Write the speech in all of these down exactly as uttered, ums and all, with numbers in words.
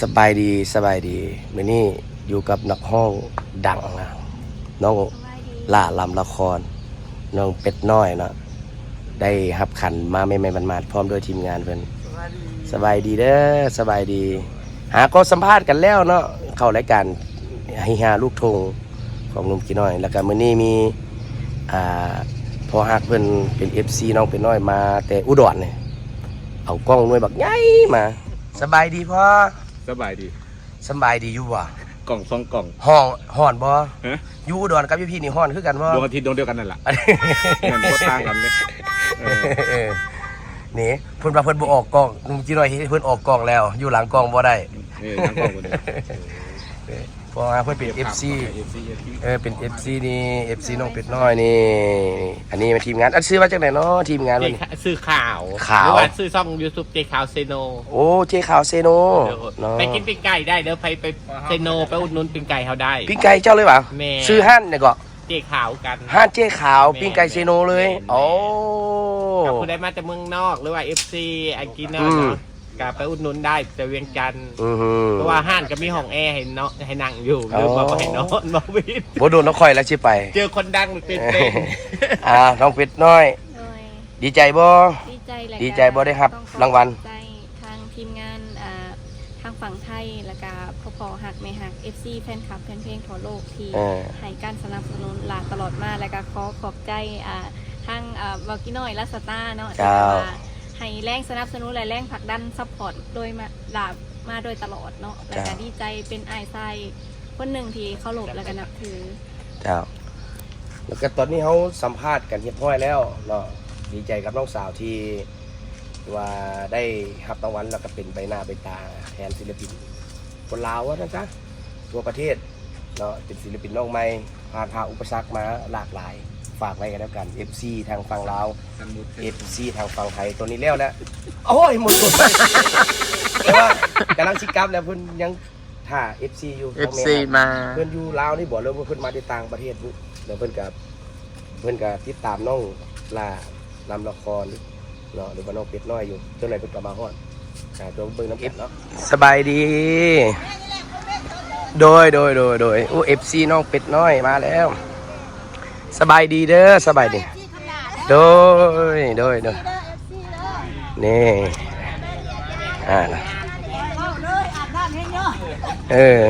สบายดีสบายดีมื้อนี้อยู่กับนักห้องดังนะน้องล่าลำละครน้องเป็ดน้อยเนาะได้รับขันมาไม่ไม่มันมาพร้อมด้วยทีมงานเพิ่นสบายดีเด้อสบายดีหาก็สัมภาษณ์กันแล้วเนาะเข้ารายการให้หาลูกทงของนุ่มกี่น้อยแล้วก็มื้อนี้มีอ่าพอฮักเพิ่นเป็น เอฟ ซี น้องเป็ดน้อยมาแต่อุดรเนี่ยเอากล้องหน่วยบักใหญ่มาสบายดีพ่อสบายดีสบายดีอยู่บ่กล่องสองกล่องห้องห้อนบ่อยู่อุดรกับพี่นี่ห้อนคือกันบ่ดวงอาทิตย์ดวงเดียวกันนั่นแหละเหมือนบ่ต่างกันเลยนี่เพิ่นว่าเพิ่นบ่ออกกล้องนุ่มจีน้อยเพิ่นออกกล้องแล้วอยู่หลังกล้องบ่ได้นี่หลังกล้องบ่ได้เพราะว่าเพิ่นเป็น เอฟ ซี เออเป็น เอฟ ซี นี่ เอฟ ซี น้องเป็ดน้อยนี่อันนี้เป็นทีมงานอันซื้อมาจากไหนเนาะทีมงานมันซื้อข่าวข่าวหรือว่าซื้อช่อง YouTube เจข่าวเซโนโอ้เจข่าวเซโนเนาะไปกินปิ้งไก่ได้เด้อไปไปเซโนไปอุดหนุนปิ้งไก่เฮาได้ปิ้งไก่เจ้าเลยป่ะซื้อห้านเนี่ยก็เจข่าวกันห้านเจข่าวปิ้งไก่เซโนเลยโอ้กับผู้ใดมาจากเมืองนอกหรือว่า เอฟ ซี อังกฤษเนาะก็ไปอุดหนุนได้แต่เวียงจันทร์เพราะว่าห้านก็มีห้องแอร์ให้เนาะให้นั่งอยู่หรือว่าให้นอนบ่วิดบ่โดนน้องคอยแล้วสิไปเจอคนดังเป็นเป็นอ่าน้องเป็ดน้อยดีใจบ่ดีใจแหละดีใจบ่ได้ครับรางวัลใจทางทีมงานอ่าทางฝั่งไทยแล้วก็พ่อพ่อหักแม่หัก เอฟ ซี แฟนคลับแฟนเพลงทั่วโลกที่ให้การสนับสนุนหลานตลอดมาแล้วก็ขอขอบใจอ่าทางอ่าบอกกี้น้อยและสตาร์เนาะที่ให้แรงสนับสนุนและแรงผลักดันซัพพอร์ตโดยมาหลาบมาโดยตลอดเนาะแล้วก็ดีใจเป็นไอ้ไส้คนหนึ่งที่เคารพแล้วก็นับถือเจ้าแล้วก็ตอนนี้เขาสัมภาษณ์กันเรียบร้อยแล้วเนาะดีใจกับน้องสาวที่ว่าได้รับรางวัลแล้วก็เป็นใบหน้าใบตาแทนศิลปินคนลาวว่านะจ๊ะทั่วประเทศเนาะเป็นศิลปินน้องใหม่ผ่านผ่าอุปสรรคมาหลากหลายฝากไว้กันแล้วกัน เอฟ ซี ทางฝั่งลาว เอฟ ซี ทางฝั่งไทยตัวนี้แล้วแล้วโอ้ยหมดแต่ว่ากำลังชิกับแล้วเพิ่นยังท่า เอฟ ซี อยู่เอฟ ซี มาเพิ่นอยู่ลาวนี่บอกเลยว่าเพิ่นมาที่ต่างประเทศเดี๋ยวเพิ่นกับเพิ่นกับติดตามน้องล่าลำละครเนาะหรือว่าน้องเป็ดน้อยอยู่จนไหนเพิ่นกลับมาฮอดอ่าตัวเบิ่งน้ำเป็ดเนาะสบายดีโดยโดยโดยโดยโอ้ เอฟ ซี น้องเป็ดน้อยมาแล้วสบายดีเด้อสบายดีโดยโดยโดยนี่อ่าเออ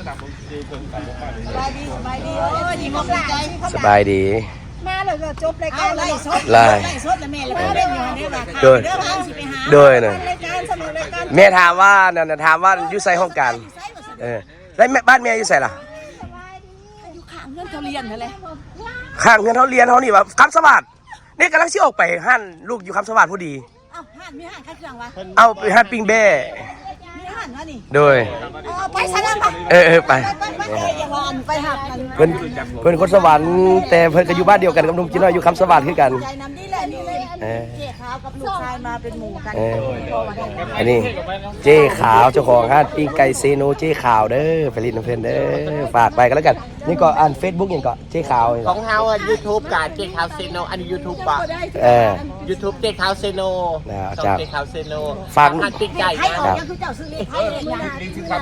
สบายดีมาเลยก็จบรายการไล่สดไล่สดแล้วแม่แล้วก็เล่นอยู่ในว่าโดยโดยน่ะรายการสนุกรายการแม่ถามว่านั่นน่ะถามว่าอยู่ไสห้องการเออแล้วแม่บ้านแม่อยู่ไสล่ะอยู่ข้างเงินเขาเรียนนั่นแหละข้างเงินเขาเรียนเขานี่ว่าคำสวัสดิ์นี่กำลังสิออกไปห้านลูกอยู่คำสวัสดิ์พอดีเอ้าห้านมีห้านขายเครื่องวะเอาไปห้านปิ้งแบ้มีห้านวะนี่โดยไปซะแล้วไปเออเออไปไปหักกันเพิ่นเพิ่นคนสวรรค์แต่เพิ่นก็อยู่บ้านเดียวกันกับนุ่มจีน้อยอยู่คำสวัสดิ์คือกันใจน้ำนี่แหละนี่เลยเจ๊ขาวกับลูกชายมาเป็นหมู่กันอันนี้เจ๊ขาวเจ้าของห้านปิ้งไก่เซโนเจ๊ขาวเด้อผลิตน้ำเพิ่นเด้อฝากไปกันแล้วกันนี่ก็อ่าน Facebook อย่างก็เจ๊ขาวของเฮาอ่ะ YouTube กับเจข่าวเซโนอันนี้ YouTube ป่ะเออ YouTube เจข่าวเซโนช่องเจข่าวเซโนฝากหันปิ้งไก่นะคือเจ้าซื้อเลขไทยเลยนะเลข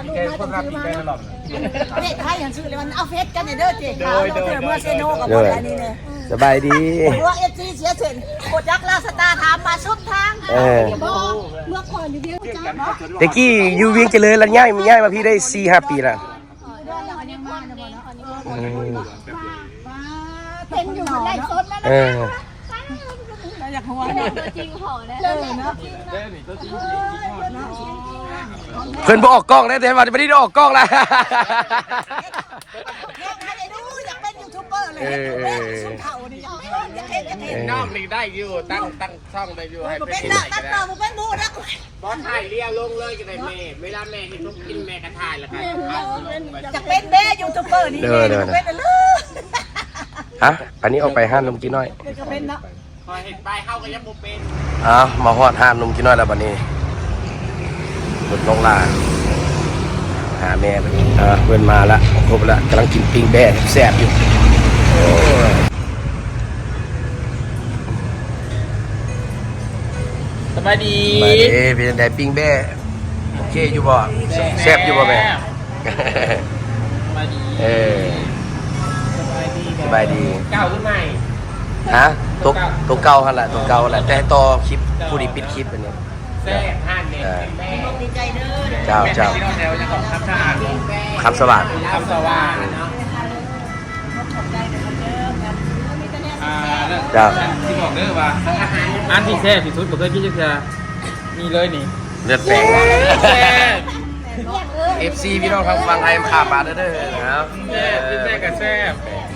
ไทยอย่างซื้อเลยมันเอาเฟซกันเด้อเจ๊ขาวเจอเมื่อเซโนกับคนอันนี้เนี่ยสบายดีเพราะว่าเอฟซีเสียเส้นกดยักษ์ลาสตาถามมาสุดทางเออเมื่อก่อนอยู่เวียงจันทร์เนาะตะกี้อยู่เวียงเจริญแล้วย้ายมาย้ายมาพี่ได้ สี่ห้า ปีแล้วเป็นอยู่ในสดแล้วนะอยากหัวตัวจริงหอเลยเนาะเพิ่นบ่ออกกล้องได้แต่ว่าไม่ได้ออกกล้องแล้วอยากเป็นยูทูบเบอร์เลยสุดเข่านี่อยากเป็นอยากเป็นอยากเป็นน้องนี่ได้อยู่ตั้งตั้งช่องได้อยู่ให้เป็นตั้งตั้งต่อมาเป็นมูนะบอสถ่ายเรียลงเลยกันเลยแม่เวลาแม่เห็นลูกกินแม่ก็ถ่ายแล้วกันอยากเป็นแม่ยูทูบเบอร์นี่เป็นเลยฮะอันนี้ออกไปห้านนมกินน้อยจะเป็นเนาะพอเห็นไปเข้าก็ยังบ่เป็นอ้าวมาฮอดห้านนมกินน้อยแล้วบัดนี้รถลงลาหาแม่ไปอ่าเพื่อนมาละครบละกำลังกินปิ้งแบ่แซ่บอยู่สบายดีสบายดีเป็นไงปิ้งแบ่โอเคอยู่บ่แซ่บอยู่บ่แม่มาดีเออสบายดีสบายดีเก่าขึ้นใหม่ฮะตัวตัวเก่าหั่นล่ะตัวเก่าหั่นล่ะแต่ต่อคลิปผู้ที่ปิดคลิปอันนี้แซ่บห้านเนี่ยเป็นแม่ดีใจเด้อเจ้าเจ้าที่เราแถวยังของคำสะอาดคำสวัสดิ์คำสว่างเนาะขอบใจเด้อเด้อกันมีแต่เนี่ยอ่าเจ้าที่บอกเด้อว่าอันที่แซ่บที่สุดผมเคยกินจักเทื่อมีเลยนี่เลือดแปลงแซ่บเอฟซีพี่น้องทางฝั่งไทยข้ามมาเด้อเด้อนะครับแซ่บแซ่บกับแซ่บ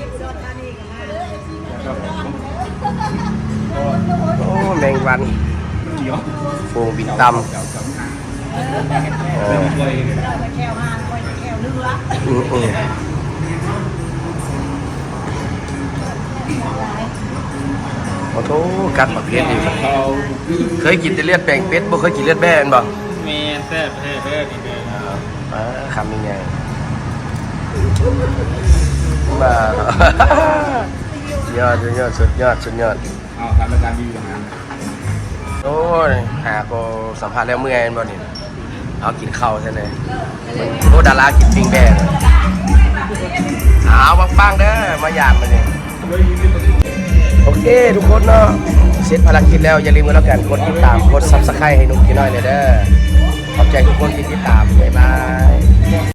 โอ้แมงวันโป่งบินตำเออแค่วหางคอยแค่วเรืออืมอืมโอ้โหกัดหมักเพชรดิเคยกินแต่เลือดแปลงเป็ดบ่เคยกินเลือดแบ่นบ่แม่แซ่บแซ่บแซ่บนี่เลยอ่าคำยังไงมา สุดยอดสุดยอดสุดยอดสุดยอดเอาทำรายการดีอย่างนั้นโอ้ยหาก็สัมภาษณ์แล้วเมื่อยบ่นี่เอากินข้าวใช่ไหมโอ้ดารากินปิ้งแบ่เอาปังๆเด้อมาหยาบมาเนี่ยโอเคทุกคนเนาะเสร็จภารกิจแล้วอย่าลืมกันแล้วกันกดติดตามกดซับสไครต์ให้นุ่มกินน้อยเลยเด้อขอบใจทุกคนที่ติดตามบ๊ายบาย